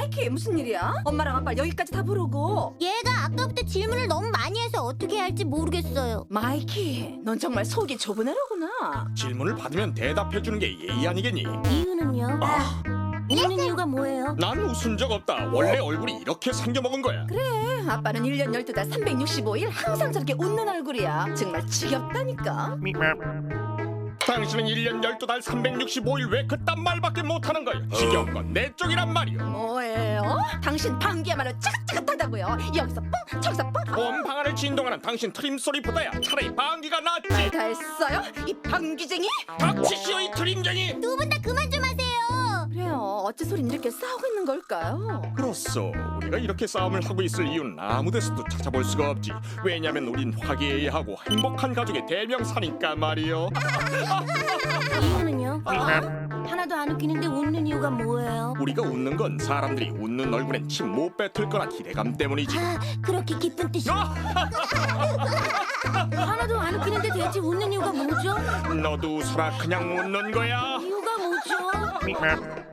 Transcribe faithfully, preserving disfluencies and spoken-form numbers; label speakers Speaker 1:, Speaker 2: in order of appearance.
Speaker 1: 마이키, 무슨 일이야? 엄마랑 아빠 여기까지 다 부르고.
Speaker 2: 얘가 아까부터 질문을 너무 많이 해서 어떻게 해야 할지 모르겠어요.
Speaker 1: 마이키, 넌 정말 속이 좁은 애로구나.
Speaker 3: 질문을 받으면 대답해주는 게 예의 아니겠니?
Speaker 2: 이유는요?
Speaker 3: 아,
Speaker 2: 웃는 이유가 뭐예요?
Speaker 3: 난 웃은 적 없다. 원래 얼굴이 이렇게 생겨먹은 거야.
Speaker 1: 그래, 아빠는 일 년 열두 달 삼백육십오 일 항상 저렇게 웃는 얼굴이야. 정말 지겹다니까.
Speaker 3: 당신은 일 년 열두 달 삼백육십오 일 왜 그딴 말밖에 못하는 거야? 지겨운 건 내 쪽이란 말이야.
Speaker 1: 뭐예요? 당신 방귀야말로 찌긋찌긋하다고요. 여기서 뿡, 저기서 뿡.
Speaker 3: 온 방안을 진동하는 당신 트림 소리보다야 차라리 방귀가 낫지.
Speaker 1: 다 했어요? 이 방귀쟁이?
Speaker 3: 닥치시오 이 트림쟁이.
Speaker 2: 두 분 다 그만 좀 하세요.
Speaker 1: 그래요, 어째 소린 이렇게 싸우고 있는 걸까요?
Speaker 3: 그렇소. 우리가 이렇게 싸움을 하고 있을 이유는 아무 데서도 찾아볼 수가 없지. 왜냐면 우린 화기애애하고 행복한 가족의 대명사니까 말이요.
Speaker 2: 이유는요? 하나도 안 웃기는데 웃는 이유가 뭐예요?
Speaker 3: 우리가 웃는 건 사람들이 웃는 얼굴엔 침 못 뱉을 거나 기대감 때문이지.
Speaker 2: 아, 그렇게 기쁜 뜻이. 하나도 안 웃기는데 대체 웃는 이유가 뭐죠?
Speaker 3: 너도 웃어라. 그냥 웃는 거야.
Speaker 2: 이유가 뭐죠?